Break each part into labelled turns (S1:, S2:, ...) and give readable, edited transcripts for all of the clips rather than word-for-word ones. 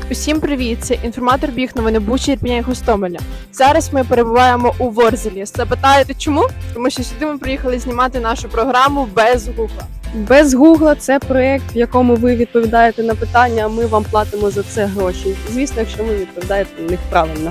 S1: Усім привіт! Це інформатор біг новини Бучі, Ірпеня і Гостомеля. Зараз ми перебуваємо у Ворзелі. Запитаєте чому? Тому що сюди ми приїхали знімати нашу програму без Гугла.
S2: Без Гугла це проєкт, в якому ви відповідаєте на питання, а ми вам платимо за це гроші. Звісно, якщо ви відповідаєте на них правильно.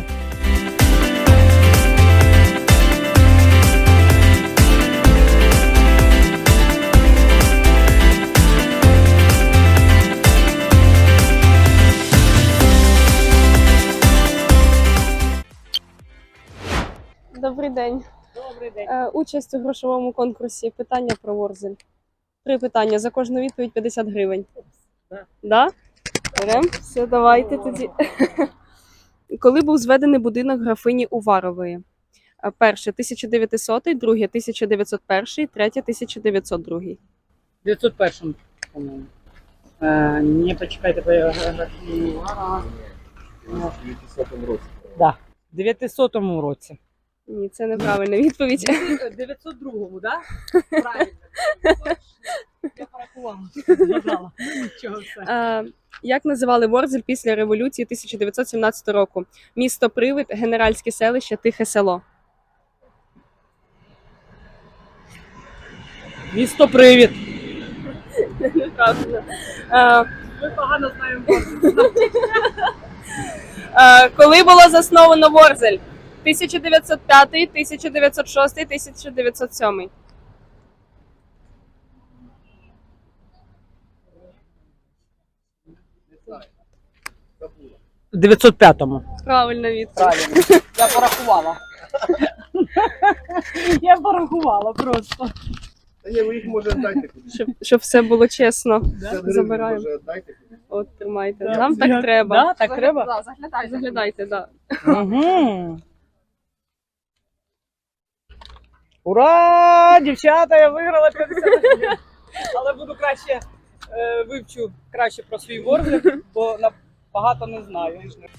S2: Добрий день.
S3: Добрий день.
S2: Участь у грошовому конкурсі «Питання про Ворзель». 3 питання, за кожну відповідь 50 гривень.
S3: Да.
S2: Да? Берем? Все, давайте тоді. Коли був зведений будинок графині Уварової? Перше – 1900, друге – 1901, третє – 1902.
S3: 901, по-моєму. Не почекайте, по географії.
S4: В 900 році.
S3: Да. В 900 році.
S2: Ні, це неправильна відповідь.
S3: 902-му, да? Правильно. Я порахувала. Згадала. Нічого все.
S2: Як називали Ворзель після революції 1917 року? Місто Привид, Генеральське селище, Тихе село.
S3: Місто Привід.
S2: Неправильно.
S3: Ми погано знаємо.
S2: Коли було засновано Ворзель? 1905, 1906, 1907.
S3: В 905-му.
S2: Правильна відповідь.
S3: Правильно. Я порахувала. Я порахувала просто.
S4: Та ні, ви їх може дайте кудись.
S2: Щоб все було чесно.
S4: 50 гривень,
S2: Забираємо.
S4: може дайте кудись.
S2: От, тримайте.
S3: Да.
S2: Нам так треба.
S3: Да, так треба?
S1: Да, заглядайте.
S2: Заглядайте, так.
S3: Угу. Ура! Дівчата, я виграла 50 гривень. Але буду краще вивчу краще про свій Ворзель, бо багато не знаю.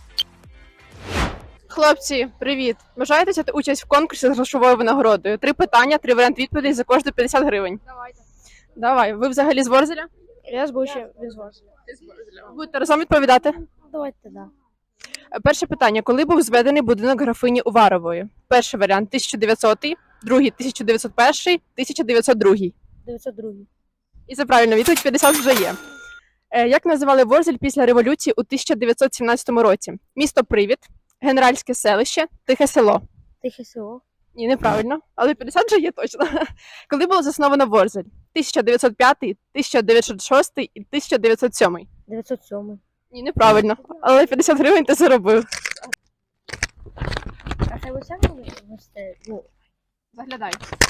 S1: Хлопці, привіт! Бажаєте взяти участь в конкурсі з грошовою винагородою? 3 питання, 3 варіанти відповідей, за кожну 50 гривень.
S5: Давайте.
S1: Давай, ви взагалі з Ворзеля?
S5: Я з Бучі, без вас.
S1: Будете разом відповідати?
S5: Давайте, да.
S1: Перше питання. Коли був зведений будинок графині Уварової? Перший варіант 1900, другий 1901, 1902.
S5: 902.
S1: І це правильно, відповідь 50 вже є. Як називали Ворзель після революції у 1917 році? Місто Привід, Генеральське селище, Тихе село.
S5: Тихе село.
S1: Ні, неправильно, але 50 вже є точно. Коли було засновано Ворзель? 1905, 1906 і 1907.
S5: 907.
S1: Ні, неправильно, але 50 гривень ти заробив.
S5: А це ви самі вести? Ну,
S1: Заглядай.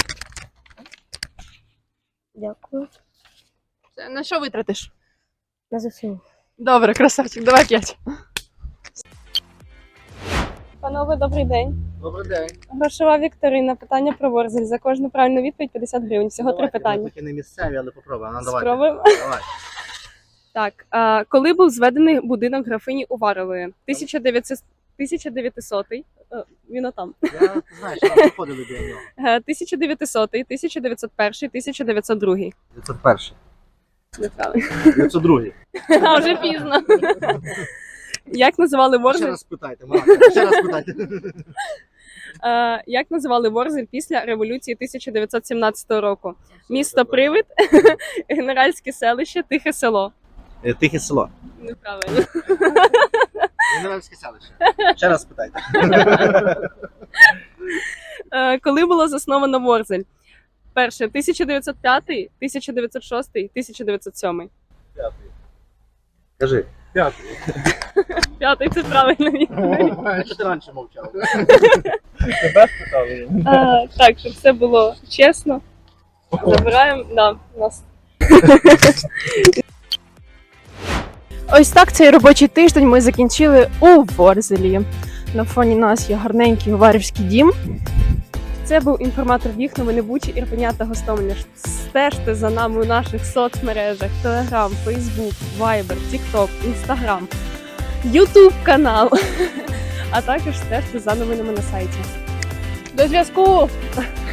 S5: дякую.
S1: Це на що витратиш?
S5: На ЗСУ.
S1: Добре, красавчик, давай 5.
S2: Панове, добрий день.
S4: Добрий день.
S2: Грошова вікторина. Питання про Ворзель. За кожну правильну відповідь 50 гривень. Всього 3 питання.
S4: Ми такі не місцеві, але попробуємо. Ну, давайте.
S2: Спробуємо.
S4: Давай.
S2: Так, коли був зведений будинок графині Уварової? 1900, він отам.
S4: Я знаю, що нам приходили до нього.
S2: 1900, 1901, 1902.
S4: 901.
S2: Неправильно.
S4: 902.
S2: А вже пізно. Як називали
S4: Ще
S2: Ворзель?
S4: раз спитайте, Марата, ще раз спитайте.
S2: Як називали Ворзель після революції 1917 року? Місто Привид, Генеральське селище, Тихе село.
S4: Тихе село.
S2: Неправильно.
S4: Генеральське селище. Ще раз спитайте.
S2: Коли було засновано Ворзель? Перше, 1905, 1906, 1907.
S4: Кажи.
S2: П'ятий, це правильно відповідь.
S4: Що ти раніше мовчав?
S3: Тебе спитали?
S2: Так, щоб все було чесно. Забираємо, да, нас.
S1: Ось так цей робочий тиждень ми закінчили у Ворзелі. На фоні нас є гарненький Уварівський дім.
S2: Це був інформатор біг новини Бучі, Ірпеня та Гостомеля. Стежте за нами у наших соцмережах: Telegram, Facebook, Viber, TikTok, Instagram, YouTube канал. А також стежте за новинами на сайті.
S1: До зв'язку!